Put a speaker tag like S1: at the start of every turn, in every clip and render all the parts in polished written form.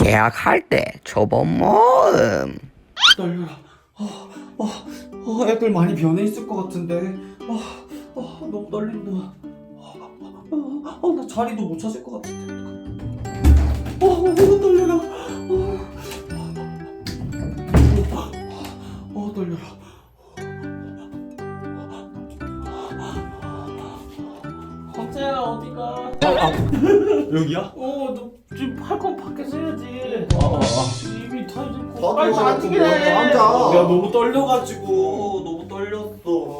S1: 계약할 때 초본 모음.
S2: 떨려라. 애들 많이 변해 있을 것 같은데. 너무 떨린다. 나 자리도 못 찾을 것 같은데. 떨려라. 떨려라. 황태야 어디가? 여기야?
S3: 너 지금 할 건 밖에서 해야지. 입이 터지고.
S2: 나도
S3: 빨리
S2: 자꾸
S3: 앉기게
S2: 뭐
S3: 해.
S2: 앉아. 내가 너무 떨려가지고 너무 떨렸어.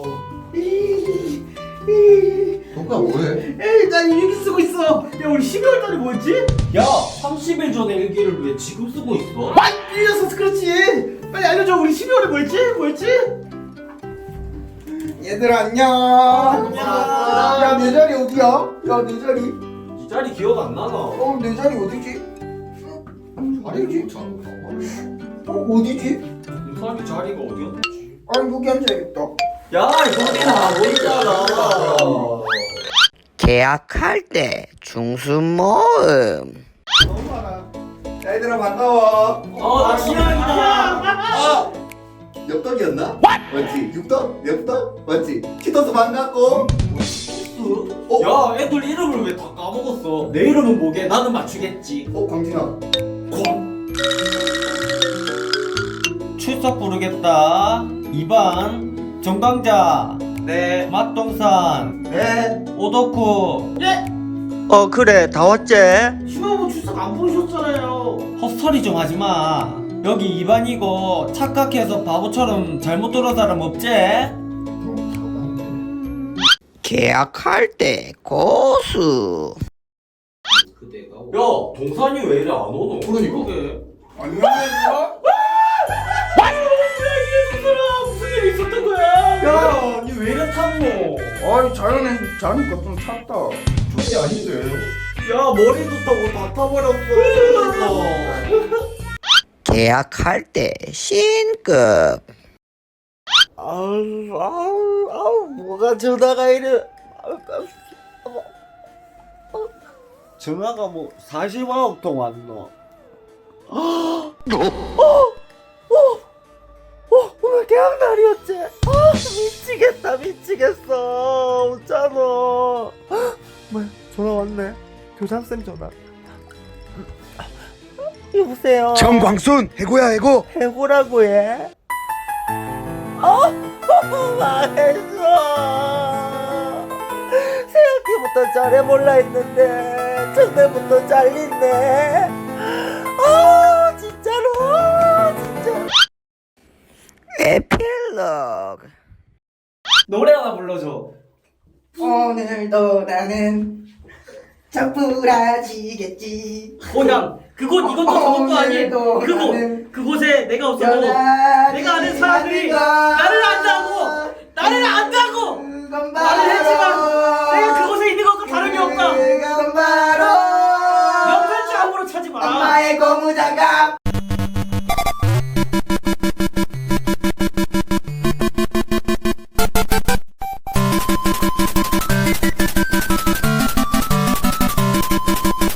S4: 동가 뭐해?
S3: 에이, 난 일기 쓰고 있어. 야, 우리 12월 달에 뭐였지?
S2: 야, 30일 전에 일기를 왜 지금 쓰고 있어?
S3: 아, 밀렸어. 그렇지. 빨리 알려줘. 우리 12월에 뭐였지?
S4: 얘들아 안녕.
S3: 안녕.
S4: 야 내 자리 어디야? 야 내 자리.
S2: 이 자리 기억 안 나나?
S4: 내 자리 어디지? 자리지? 어디지?
S2: 유산이 자리가 어디였지?
S4: 아니 여기 앉아야겠다.
S2: 야, 여기나 뭐 있잖아.
S1: 계약할 때 중수 모음.
S4: 너무 많아. 야 얘들아 반가워.
S2: 나 신랑이다.
S4: 엽떡이었나? 맞지? 육떡? 엽떡? 맞지? 치토스 반갑고.
S2: 야, 애들 이름을 왜 다 까먹었어? 내 이름은 뭐게? 나는 맞추겠지.
S4: 광진아.
S2: 출석 부르겠다. 2번 정강자. 네. 맛동산.
S4: 네.
S2: 오덕후.
S1: 그래 다 왔지?
S3: 시험은 출석 안 부르셨잖아요.
S2: 헛소리 좀 하지마. 여기 2반이고 착각해서 바보처럼 잘못 들은 사람 없지?
S1: 계약할 때 고수.
S2: 야, 동산이 왜 이래 안 오노?
S4: 그러니까. 안녕.
S3: 무슨 일이 있었던 거야?
S2: 야, 니 왜 이래 탔노?
S4: 아이 자연에 자니까 좀 찼다. 좋지 아닌데.
S2: 야, 머리도 타고 다 타버렸어.
S1: 계약할 때 신급.
S5: 뭐가 전화가 이래. 전화가 뭐 40억 통 왔노. 오늘 계약 날이었지. 미치겠어. 어쩌노. 뭐야, 전화 왔네. 교장쌤 전화. 여보세요.
S4: 정광순 해고야 해고.
S5: 해고라고 해? 망했어. 새학기부터 잘해볼라 했는데 첫날부터 잘리네. 진짜로 진짜.
S1: 에필로그.
S2: 노래 하나 불러줘.
S4: 오늘도 나는 척부라지겠지.
S3: 야, 이것도 저것도 아니에요. 그곳에 내가 없어도 내가 아는 사람들이 나를 안다고.